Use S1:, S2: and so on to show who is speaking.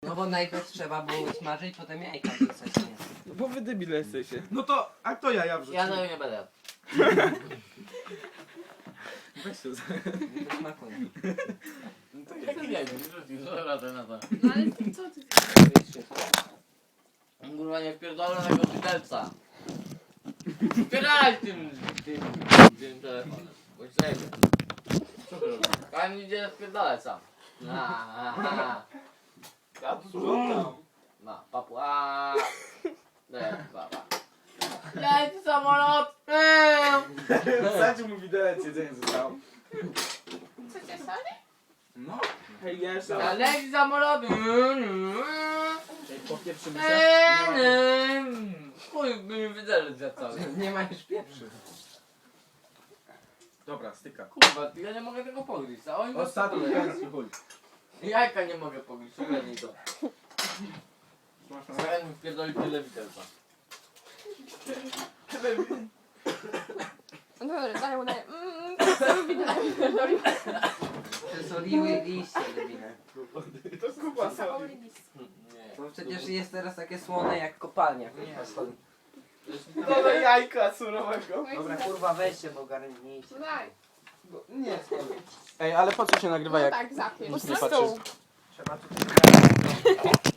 S1: No bo najpierw trzeba było smażyć, potem jajka wrzucać, nie?
S2: No bo wy debile jesteście.
S3: No to, a kto jaja wrzucił?
S4: Ja tego nie będę.
S3: Weź to za...
S1: Nie smakuje.
S3: No to
S4: Jaki nie wrzucił, co radę na to.
S5: No ale co ty?
S4: Kurwa nie wpierdolę tego widelca. Wpierdalaj tym telefonem. Bądź zajmie. Co ty robisz? Pan idzie wpierdalać sam. Ja tu słucham. Papu, papa. Leci samolot!
S3: Wsadził mu widelec, jedzenie zostało.
S5: Chcecie soli?
S3: No.
S2: Hej, jeszcze.
S4: Leci samolot!
S2: Popieprzymy się.
S4: Chuj, by mi widelec za cały.
S1: Nie ma już pieprzy.
S3: Dobra, styka.
S4: Kurwa, ja nie mogę tego pogryźć, a oni
S3: Ostatni gęsty chuj.
S4: Jajka nie mogę pogryźć, ogarnij to. Zaraz mi wpierdoli tyle widelca.
S5: No dobra, daję mu daję.
S1: Przesoliły liście, debile.
S3: To kuba soli.
S4: Nie.
S1: Bo przecież jest teraz takie słone jak kopalnia.
S4: Nie.
S3: Dodaj jajka surowego.
S1: Dobra, kurwa, weźcie, bo ogarnijcie.
S5: No daj.
S1: Nie,
S2: Ej, ale po co się nagrywa
S5: No
S2: jak...
S5: tak, zapiesz.
S2: Nie patrzysz.
S1: trzeba tu